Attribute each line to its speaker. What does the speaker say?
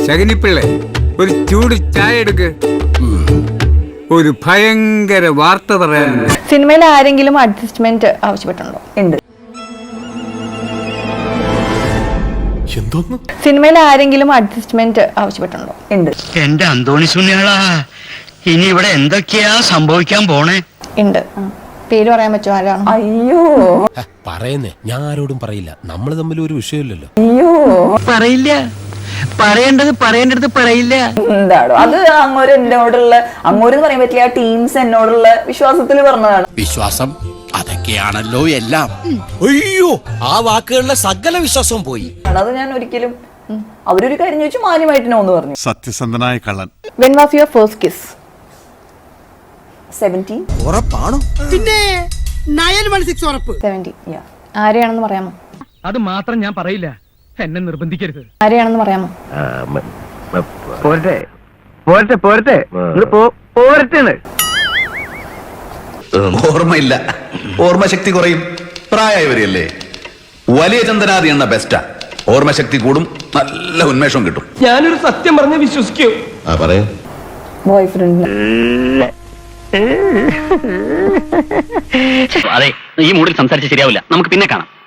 Speaker 1: ശകുനിപ്പിള്ളേ, ഒരു ചൂട് ചായ എടുക്ക്. ഒരു ഭയങ്കര വാർത്ത പറയാനുണ്ട്.
Speaker 2: സിനിമയിൽ ആരെങ്കിലും അഡ്ജസ്റ്റ്മെന്റ് ആവശ്യപ്പെട്ടുണ്ടോ?
Speaker 3: ഉണ്ട്.
Speaker 2: സിനിമയിൽ ആരെങ്കിലും അഡ്ജസ്റ്റ്മെന്റ് ആവശ്യപ്പെട്ടുണ്ടോ?
Speaker 3: ഉണ്ട്.
Speaker 4: എന്റെ അന്തോണി സുനിയാളാ, ഇനി ഇവിടെ എന്തൊക്കെയാ സംഭവിക്കാൻ പോണേ?
Speaker 2: ഉണ്ട്. പേര് പറയാൻ പറ്റുമോ? ആരാണ്?
Speaker 3: അയ്യോ
Speaker 5: പറയുന്നേ, ഞാൻ ആരോടും പറയില്ല. നമ്മൾ തമ്മിൽ ഒരു വിഷയമില്ലല്ലോ.
Speaker 3: അയ്യോ
Speaker 4: പറയില്ല, പറയേണ്ടത് പറയില്ല.
Speaker 3: എന്താണോ അത്? അങ്ങോര് എന്നോടുള്ള, അങ്ങോരെന്ന് പറയാൻ പറ്റില്ല, ആ ടീംസ് എന്നോടുള്ള വിശ്വാസത്തിൽ പറഞ്ഞതാണ്.
Speaker 5: വിശ്വാസം അതൊക്കെയാണല്ലോ എല്ലാം. അയ്യോ, ആ വാക്കുകളിലെ സകല വിശ്വാസവും പോയി.
Speaker 3: അത് ഞാൻ ഒരിക്കലും, അവരൊരു കാര്യം ചോദിച്ചു മാന്യമായിട്ട് നോന്ന് പറഞ്ഞു.
Speaker 6: സത്യസന്ധനായ കള്ളൻ.
Speaker 2: When was your first kiss?
Speaker 3: 17.
Speaker 5: ഉറപ്പാണോ?
Speaker 7: പിന്നെ 916 ഉറപ്പ്.
Speaker 2: 70. ആരെയാണെന്ന് പറയാമോ?
Speaker 8: അത് മാത്രം ഞാൻ പറയില്ല, എന്നെ നിർബന്ധിക്കരുത്.
Speaker 2: ആരെയാണെന്ന് പറയാമോ?
Speaker 4: പോരട്ടെ
Speaker 9: ഓർമ്മയില്ല, ഓർമ്മശക്തി കുറയും. പ്രായമായവരെയല്ലേ. വലിയ ചന്ദനാദി എണ്ണ ബെസ്റ്റാ. ഓർമ്മശക്തി കൂടും, നല്ല ഉന്മേഷം കിട്ടും.
Speaker 8: ഞാനൊരു സത്യം പറഞ്ഞ് വിശ്വസിക്കൂ.
Speaker 9: പറയൂ.
Speaker 3: ബോയ്ഫ്രണ്ട്.
Speaker 4: അതെ, ഈ മൂഡിൽ സംസാരിച്ച് ശരിയാവില്ല, നമുക്ക് പിന്നെ കാണാം.